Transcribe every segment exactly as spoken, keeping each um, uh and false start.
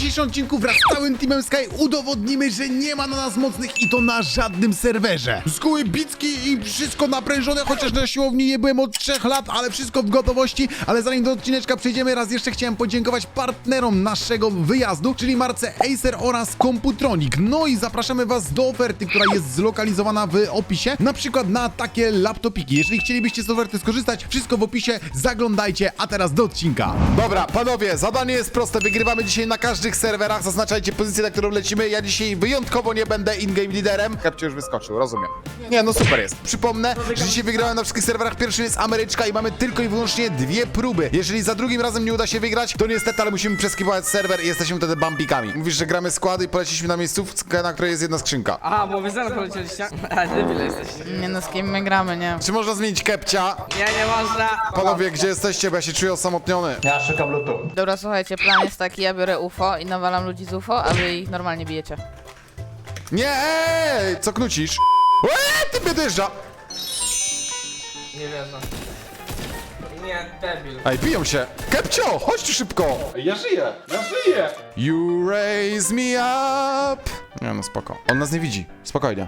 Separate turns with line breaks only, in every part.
dzisiejszym odcinku wraz z całym Teamem Sky udowodnimy, że nie ma na nas mocnych i to na żadnym serwerze. Z góry bicki i wszystko naprężone, chociaż na siłowni nie byłem od trzech lat, ale wszystko w gotowości. Ale zanim do odcineczka przejdziemy, raz jeszcze chciałem podziękować partnerom naszego wyjazdu, czyli marce Acer oraz Computronic. No i zapraszamy was do oferty, która jest zlokalizowana w opisie, na przykład na takie laptopiki. Jeżeli chcielibyście z oferty skorzystać, wszystko w opisie, zaglądajcie, a teraz do odcinka. Dobra, panowie, zadanie jest proste, wygrywamy dzisiaj na każdych serwerach, zaznaczajcie pozycję, na którą lecimy. Ja dzisiaj wyjątkowo nie będę in-game liderem. Kapcie już wyskoczył, rozumiem. Nie, no super jest. Przypomnę, że dzisiaj wygrałem na wszystkich serwerach. Pierwszy jest Ameryczka i mamy tylko i wyłącznie dwie próby. Jeżeli za drugim razem nie uda się wygrać, to niestety, ale musimy przeskipować serwer i jesteśmy wtedy bambikami. Mówisz, że gramy składy i poleciliśmy na miejscówkę, na której jest jedna skrzynka.
Aha, bo wy zaraz polecieliście? A, debile jesteście.
Nie no, z kim my gramy, nie?
Czy można zmienić kepcia?
Nie, nie można.
Panowie, gdzie jesteście, bo ja się czuję osamotniony.
Ja szukam lutu.
Dobra, słuchajcie, plan jest taki, ja biorę U F O i nawalam ludzi z U F O, a wy ich normalnie bijecie.
Nie, ej, co knucisz? Eee, ty mnie dojeżdża.
Nie wierzę. Nie, debil.
Ej, biją się. Kepcio, chodź tu szybko.
Ja żyję, ja żyję!
You raise me up. Nie no, spoko. On nas nie widzi. Spokojnie.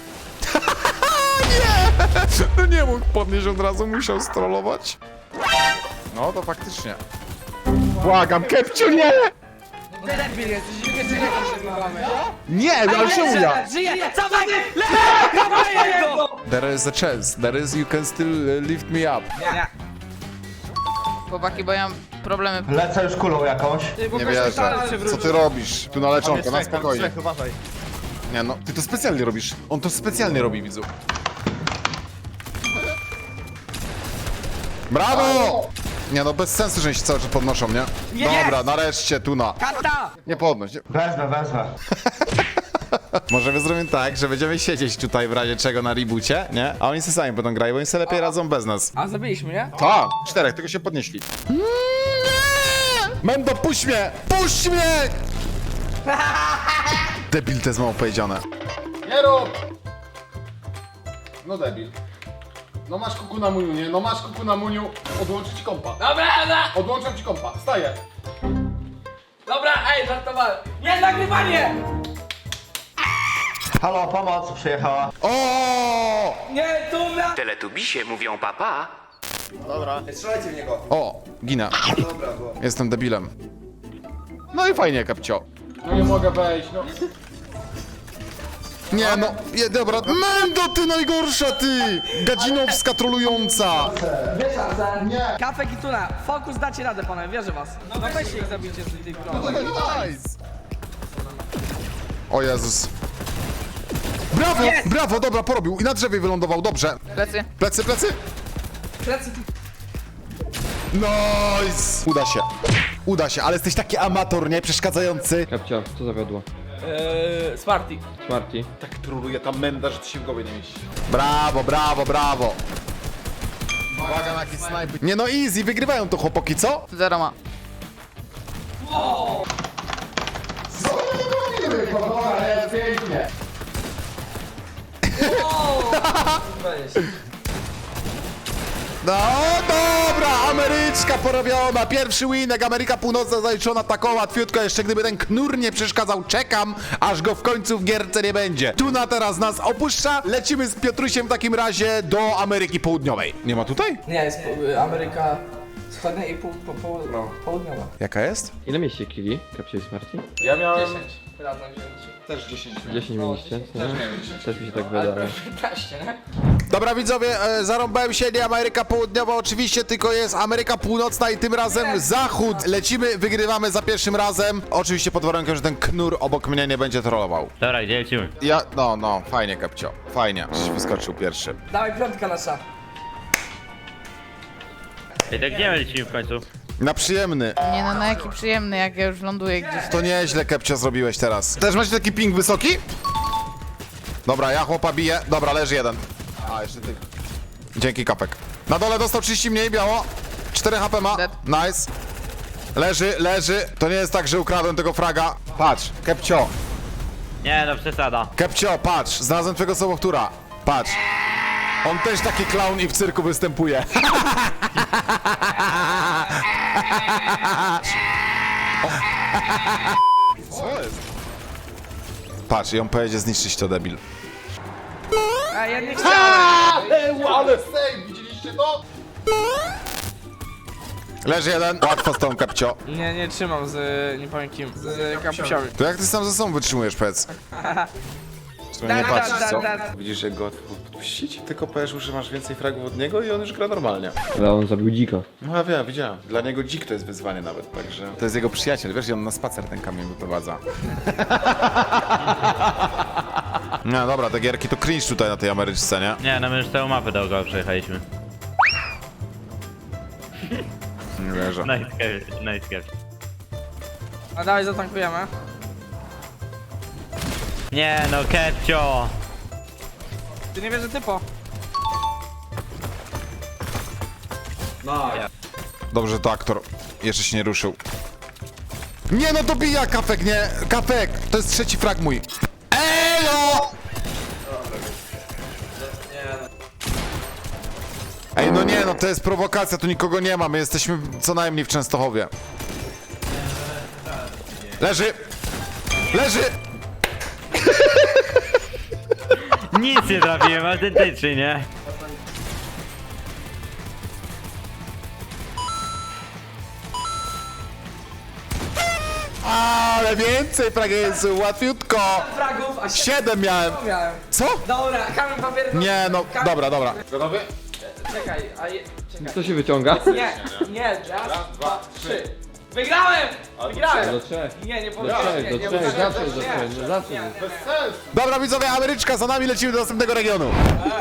Nie! No nie mógł podnieść od razu, musiał strollować. No to faktycznie.
Błagam, Kepciu, nie!
Debil jesteś, nie wiecie, jak się zbywamy.
Nie, ale czemu ja?
Żyję, cofaj! Lepiej go!
There is a chance. There is, you can still uh, lift me up.
Nie,
Chłopaki, bo ja mam problemy.
Lecę już kulą jakąś.
Nie wierzę. Co ty robisz? Tu na leczonko, na spokojnie.
Uważaj.
Nie no, ty to specjalnie robisz. On to specjalnie robi, widzu. Brawo! Nie no, bez sensu, że oni się cały czas podnoszą, nie?
Nie!
Dobra, nareszcie, Tuna.
Kata!
Nie podnoś. Nie.
Wezmę, wezmę.
Może zrobimy tak, że będziemy siedzieć tutaj w razie czego na reboocie, nie? A oni sobie sami będą grali, bo oni sobie lepiej radzą bez nas.
A zabiliśmy, nie?
Tak, czterech, tylko się podnieśli. Mendo, puść mnie! Puść mnie! Debil, to jest mało powiedziane.
Nie rób! No debil. No masz kuku na muniu, nie? No masz kuku na muniu. Odłączę ci kompa.
Dobra, dobra!
Odłączam ci kompa. Wstaję.
Dobra, ej, żartowałem. Nie, nagrywanie!
Halo, pomoc przyjechała.
O!
Nie, tu na...
Teletubisie mówią papa.
O, ginę. Jestem debilem. No i fajnie, kapcio.
No nie mogę wejść, no.
Nie no, je, dobra. Mendo, ty najgorsza, ty! Gadzinowska trolująca.
Nie. Kafek i tuna, fokus dacie radę, panowie, wierzę was. No weźcie ich zabijcie z tych krążek.
Nice. O Jezus. Brawo,
Jest!
brawo, dobra, porobił. I na drzewie wylądował, dobrze.
Plecy.
Plecy, plecy.
Plecy.
Nice. Uda się. Uda się, ale jesteś taki amator, nie? Przeszkadzający.
Kapcia, co zawiodło?
Eee, Smarty.
Smarty.
Tak troluje ta menda, że to się w głowie nie mieści.
Brawo, brawo, brawo. Uwaga na jakiś snajper. Nie no, easy, wygrywają to chłopaki, co?
Zero ma.
No dobra, Ameryczka porobiona, pierwszy winek, Ameryka Północna zaliczona taką łatwiutko, jeszcze gdyby ten knur nie przeszkadzał, czekam, aż go w końcu w gierce nie będzie. Tuna teraz nas opuszcza, lecimy z Piotrusiem w takim razie do Ameryki Południowej. Nie ma tutaj?
Nie, jest po- Ameryka Wschodnia i pół, po, po, no, południowa.
Jaka jest?
Ile mieście killi? Kapcia i Smarty?
Ja miałem
dziesięć. Razem wzięliście.
też dziesięć.
dziesięć mieliście?
Też miałem dziesięć.
Też mi się tak
Ale
wydaje.
prawie piętnaście, nie?
Dobra widzowie, e, zarąbałem się, nie Ameryka Południowa oczywiście, tylko jest Ameryka Północna i tym razem Zachód. Lecimy, wygrywamy za pierwszym razem. Oczywiście pod warunkiem, że ten knur obok mnie nie będzie trollował.
Dobra, gdzie lecimy?
Ja, no, no, fajnie Kapcio, fajnie, żeś wyskoczył pierwszy.
Dawaj piątka nasza.
Ej, tak gdzie my lecimy w końcu?
Na przyjemny.
Nie no, na jaki przyjemny, jak ja już ląduję gdzieś.
To nieźle, Kepcio, zrobiłeś teraz. Też macie taki ping wysoki? Dobra, ja chłopa biję. Dobra, leży jeden. A, jeszcze ty. Dzięki, Kapek. Na dole dostał trzydzieści mniej, biało. cztery H P ma.
Dead.
Nice. Leży, leży. To nie jest tak, że ukradłem tego fraga. Patrz, Kepcio.
Nie, no przesada.
Kepcio, patrz. Znalazłem twojego sobowtóra. Patrz. On też taki clown i w cyrku występuje. Patrz, i on pojedzie zniszczyć to, debil.
A ja nie chciałem.
Ej, ale save, widzieliście to?
Leży jeden. Łatwo z tą kapcio.
Nie, nie trzymam z, nie powiem kim, z kapusiami.
To jak ty sam ze sobą wytrzymujesz, powiedz? W sumie nie patrzysz, co?
Widzisz, jak go łatwo podpuścić? Tylko powiesz, że masz więcej fragów od niego i on już gra normalnie.
Ale on zabił dzika.
No ja wiem, widziałem. Dla niego dzik to jest wyzwanie nawet, także...
To jest jego przyjaciel, wiesz, i on na spacer ten kamień wyprowadza. No dobra, te gierki to cringe tutaj na tej Ameryczce, nie?
Nie, no my już całą mapę dookoła przejechaliśmy.
Nie wierzę.
Nice catch, nice catch.
A dawaj zatankujemy.
Nie no, Kepcio!
Ty nie wiesz, że typo.
Dobrze, to aktor jeszcze się nie ruszył. Nie no, dobija Kafek, nie? Kafek, to jest trzeci frag mój. Ejo! Ej, no nie no, to jest prowokacja, tu nikogo nie ma, my jesteśmy co najmniej w Częstochowie. Leży! Leży!
Nic nie trafiłem, autentycznie, nie?
Ale więcej fragiensów, łatwiutko!
Fragów, a się
Siedem miałem.
miałem.
Co?
Dobra, kamień papier.
Nie no, dobra, dobra.
Gotowy?
Czekaj, a je... Czekaj.
Co się wyciąga?
Nie, nie, raz, dwa, trzy. Wygrałem! Wygrałem!
Do trzech.
Nie, nie
Do
powiedziałem.
trzech,
nie,
do
nie
trzech,
powiedziałem.
zawsze do
Nie,
trzech, no zawsze.
nie.
Bez sensu.
Dobra widzowie, Ameryczka, za nami lecimy do następnego regionu.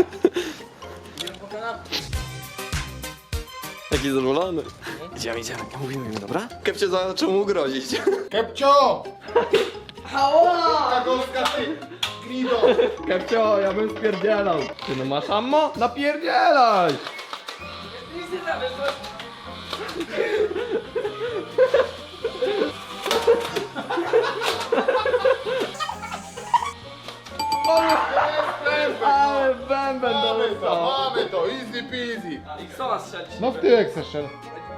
Taki zadowolony. Idziemy, idziemy, mówimy im, dobra? Kepcie zaczął mu grozić.
Kepcio! Hała! Golska, ty! Grido!
Kepcio, ja bym spierdzielał. Ty no masz ammo? Napierdzielaj!
Nic nie trafisz, to...
Ale bęben
Mamy to,
dostał.
mamy to, easy peasy.
I kto ma strzelić?
No w tyłek chcesz strzel.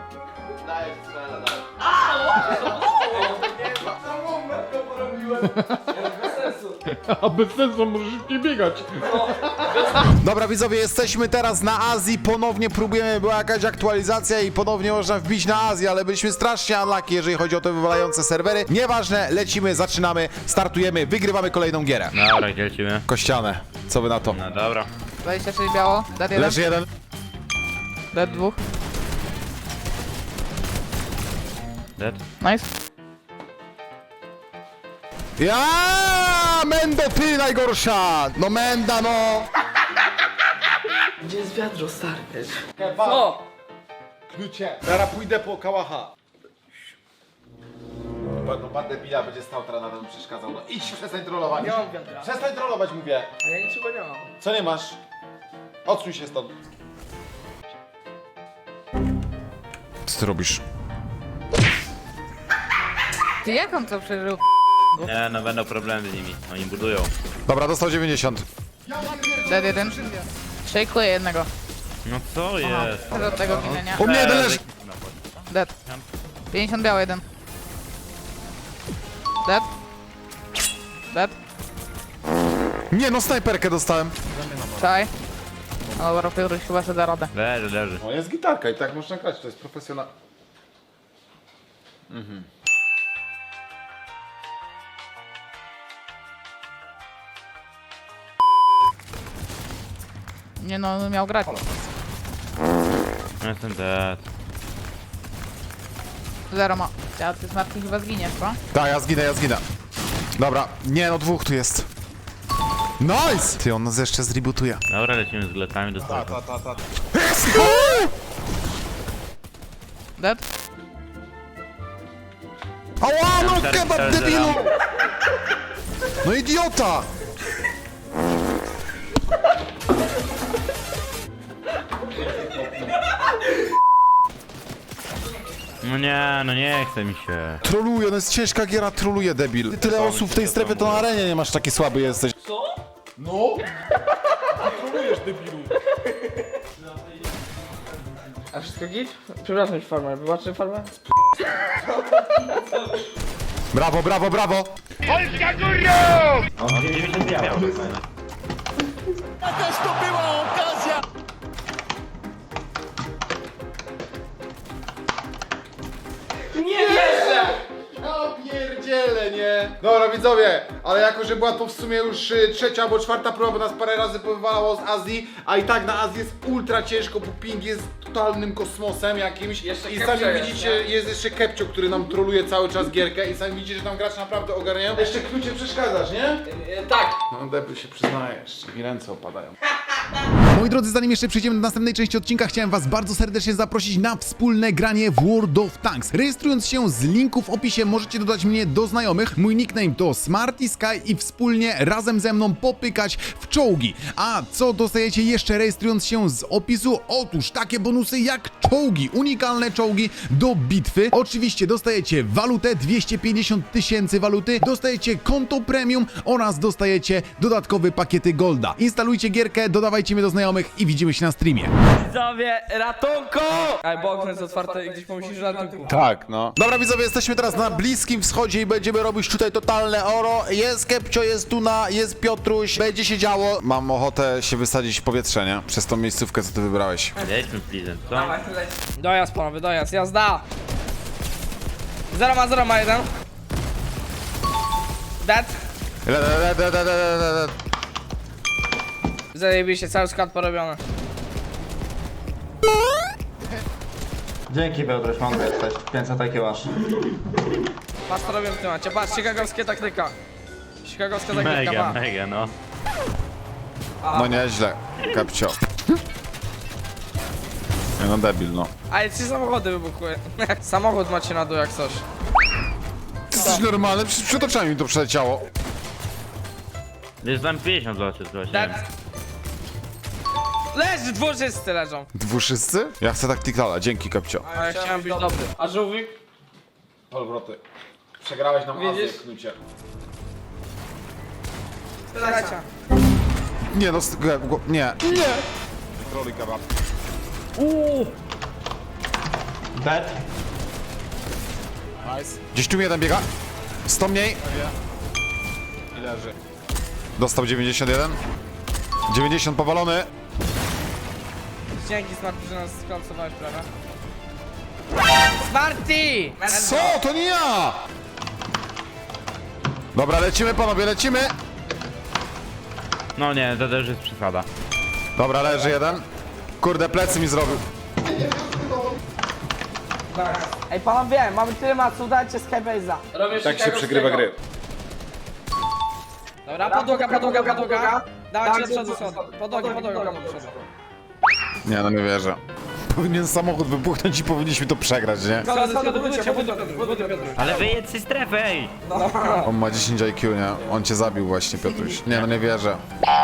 Bez sensu.
A bez sensu, możesz szybciej biegać.
Dobra widzowie, jesteśmy teraz na Azji, ponownie próbujemy, była jakaś aktualizacja i ponownie można wbić na Azję, ale byliśmy strasznie unlucky, jeżeli chodzi o te wywalające serwery. Nieważne, lecimy, zaczynamy, startujemy, wygrywamy kolejną gierę.
Dobra, gdzie lecimy?
Kościane, co wy na to?
No dobra.
dwadzieścia sześć biało, dead jeden,
Leży jeden.
dead dwóch.
Dead?
Nice.
Ja, Mendo, ty najgorsza! No Menda, no!
Gdzie jest wiadro, stary?
Kebab,
O!
klucie. Teraz pójdę po kałacha. No pan debila będzie stał teraz na tym przeszkadzał. No idź, przestań trollować.
Nie mam wiadra.
Przestań trollować, mówię.
A ja niczego nie mam.
Co nie masz? Odsuń się stąd.
Co ty robisz?
Ty jak on to przeżył?
Nie, no będą problemy z nimi. Oni budują.
Dobra, dostał dziewięćdziesiąt.
Dead jeden. Szejkuję jednego.
No co jest?
Do tego ginienia.
U mnie jeden leży.
Dead. pięćdziesiąt biało jeden. Dead. Dead.
Nie no, snajperkę dostałem.
Czaj. No dobra, Piotruś chyba sobie da radę.
Leży, leży.
No jest gitarka i tak można grać, to jest profesjonal.
Nie no, on miał grać.
No jestem dead.
Zero ma. Ja, ty z Marki chyba zginiesz, co?
Tak, ja zginę, ja zginę. Dobra, nie no, dwóch tu jest. Nice! Ty, on nas jeszcze zrebootuje.
Dobra, lecimy z gletami do startu.
Ta, ta, ta.
Dead.
Ała, no
cztery,
kebab,
cztery,
debilu!
zero.
No idiota!
No nie, no nie chce mi się.
Troluje, no jest ciężka giera, troluje, debil. Tyle osób w tej strefie, to na arenie nie masz, taki słaby jesteś.
No! Trolujesz, debilu.
A wszystko git? Przepraszam, farmer. Wybaczcie, farmer?
Brawo, brawo, brawo!
On dziewięćdziesiąt dwie miał.
Ja pierdzielę, nie? Dobra widzowie, ale jako, że była to w sumie już y, trzecia albo czwarta próba, bo nas parę razy powywalało z Azji, a i tak na Azji jest ultra ciężko, bo ping jest totalnym kosmosem jakimś.
Jeszcze
I
Kepcio
sami
jest,
widzicie,
nie?
jest jeszcze Kepcio, który nam troluje cały czas gierkę i sami widzicie, że tam gracze naprawdę ogarniają. Jeszcze Knucie przeszkadzasz, nie?
E, Tak.
No Debil się przyznaje jeszcze, mi ręce opadają.
Moi drodzy, zanim jeszcze przejdziemy do następnej części odcinka, chciałem was bardzo serdecznie zaprosić na wspólne granie w World of Tanks. Rejestrując się z linku w opisie możecie dodać mnie do znajomych. Mój nickname to Smarty Sky i wspólnie razem ze mną popykać w czołgi. A co dostajecie jeszcze rejestrując się z opisu? Otóż takie bonusy jak czołgi, unikalne czołgi do bitwy. Oczywiście dostajecie walutę, dwieście pięćdziesiąt tysięcy waluty, dostajecie konto premium oraz dostajecie dodatkowe pakiety golda. Instalujcie gierkę, dodawajcie mnie do znajomych i widzimy się na streamie.
Widzowie, ratunku! Ej, bo okno jest otwarte i gdzieś pomyślisz, że ratunku.
Tak, no. Dobra widzowie, jesteśmy teraz na Bliskim Wschodzie i będziemy robić tutaj totalne oro. Jest Kepcio, jest Tuna, jest Piotruś, będzie się działo. Mam ochotę się wysadzić w powietrze, nie? Przez tą miejscówkę, co ty wybrałeś.
Jedźmy Pleasant, co?
Dawaj, leć. Dojazd panowie, dojazd, jazda! Zero ma, zero ma jeden. Dead.
Le, le, le, le, le, le, le, le.
Zajebiście, cały skład porobiony.
Dzięki Piotruś, mądry jesteś. pięćset I Q masz.
Patrz co robię w tym macie, patrz, chicagowskie taktyka. Chicagowska taktyka,
Mega,
pa.
mega, no.
No nieźle, Kepcio. Nie no debil, no.
Ale trzy samochody wybuchły. Samochód macie na dół jak coś.
Ty jesteś normalny, przecież przed oczami mi to przeleciało.
Jest tam pięćdziesiąt złotych,
Dead.
właśnie.
Leży, dwurzysty leżą.
Dwuszysty? Ja chcę taktikala, dzięki Kepcio.
A ja chciałem być dobry. A żółwik?
Polwroty. Przegrałeś nam Azję,
Widzisz?
Knucie.
Lecia.
Nie no, z- go- go- nie. Nie! Troli kebab.
Dead.
Nice. Gdzieś tu mi jeden biega. sto mniej. I leży. Dostał dziewięćdziesiąt jeden. dziewięćdziesiąt powalony.
Dzięki Smarty, że nas skońcowałeś prawie. Smarty!
Co? To nie ja! Dobra, lecimy panowie, lecimy!
No nie, to też jest przesada.
Dobra, leży jeden. Kurde, plecy mi zrobił.
Ej panowie, mamy tyle macu, dajcie Skybase'a.
Tak się przegrywa gry.
Dobra, podłoga, podłoga, podłoga. Dawajcie do przodu, przodu. Podłoga, podłoga, podłoga, przodu.
Nie, no nie wierzę. Powinien samochód wybuchnąć i powinniśmy to przegrać, nie?
Schody, schody, budujcie, budujcie, budujcie, Piotruś.
Ale wyjedź z strefy, ej!
On ma dziesięć I Q, nie? On cię zabił właśnie, Piotruś. Nie, no nie wierzę.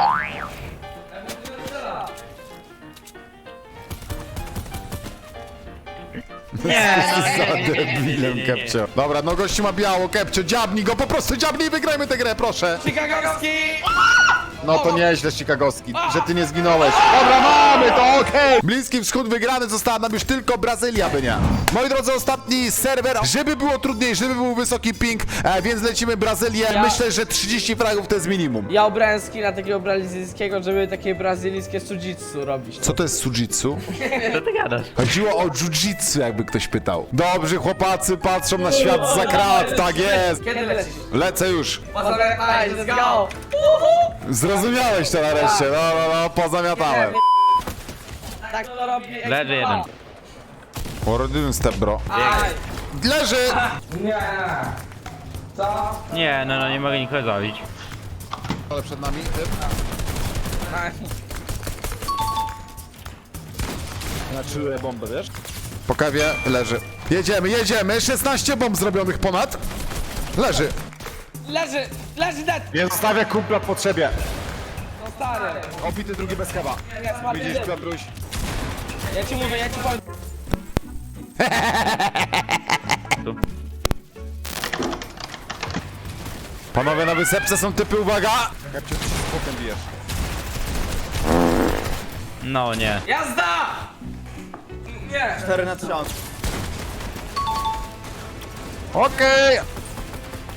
Nie!
Za debilem, Kepcio. Dobra, no gościu ma biało, Kepcio, dziabnij go, po prostu dziabnij i wygrajmy tę grę, proszę.
Chicagowski!
No to nieźle, Chicagowski, że ty nie zginąłeś. Dobra, mamy to, okej! Bliski Wschód wygrany, została nam już tylko Brazylia, by nie. Moi drodzy, ostatni serwer, żeby było trudniej, żeby był wysoki ping, e, więc lecimy Brazylię.
Ja-
Myślę, że trzydzieści fragów to jest minimum.
Ja obrałem skina takiego brazylijskiego, żeby takie brazylijskie sujitsu robić.
Co to jest sujitsu?
Co ty gadasz?
Chodziło o jiu-jitsu, jakby ktoś pytał. Dobrze, chłopacy patrzą na świat za krat, tak jest.
Kiedy lecisz?
Lecę już.
Pozamiataj, let's go!
Zrozumiałeś to nareszcie, no, no, no, pozamiatałem.
Tak to robi
Leży jeden.
Porodyn step, bro.
Aj!
Leży!
Nie! Co?
Nie, no, no nie mogę nikogo zabić.
Ale przed nami, typ.
Aj.
Naczyłem bombę, wiesz? Po kawie leży. Jedziemy, jedziemy! szesnaście bomb zrobionych ponad. Leży.
Leży! Leży dead!
Nie zostawia kumpla w potrzebie.
No stary!
Obity drugi bez kawa.
Nie, Smarty,
Widzisz, Piotruś?
ja ci mówię, ja ci powiem.
Tu.
Panowie, na wysepce są typy, uwaga! Kapciu, ty się z bokiem bijesz.
No nie.
Jazda! Nie!
cztery na tysiąc.
Okej!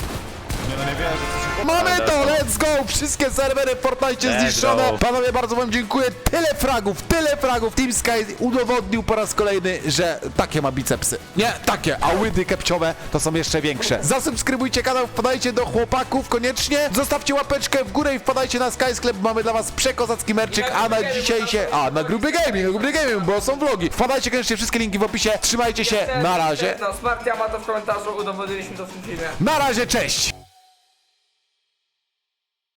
Mamy to, let's go! Wszystkie serwery w Fortnite
Let's
zniszczone.
go.
Panowie, bardzo wam dziękuję. Tyle fragów, tyle fragów. Team Sky udowodnił po raz kolejny, że takie ma bicepsy. Nie, takie, a łydy kepciowe to są jeszcze większe. Zasubskrybujcie kanał, wpadajcie do chłopaków koniecznie. Zostawcie łapeczkę w górę i wpadajcie na Sky Sklep. Mamy dla was przekozacki merczyk, a na dzisiaj się... A, na Gruby Gaming, na Gruby Gaming, bo są vlogi. Wpadajcie koniecznie, wszystkie linki w opisie. Trzymajcie się, na razie.
No, Smartia ma to w komentarzu, udowodniliśmy to w tym filmie.
Na razie, cześć!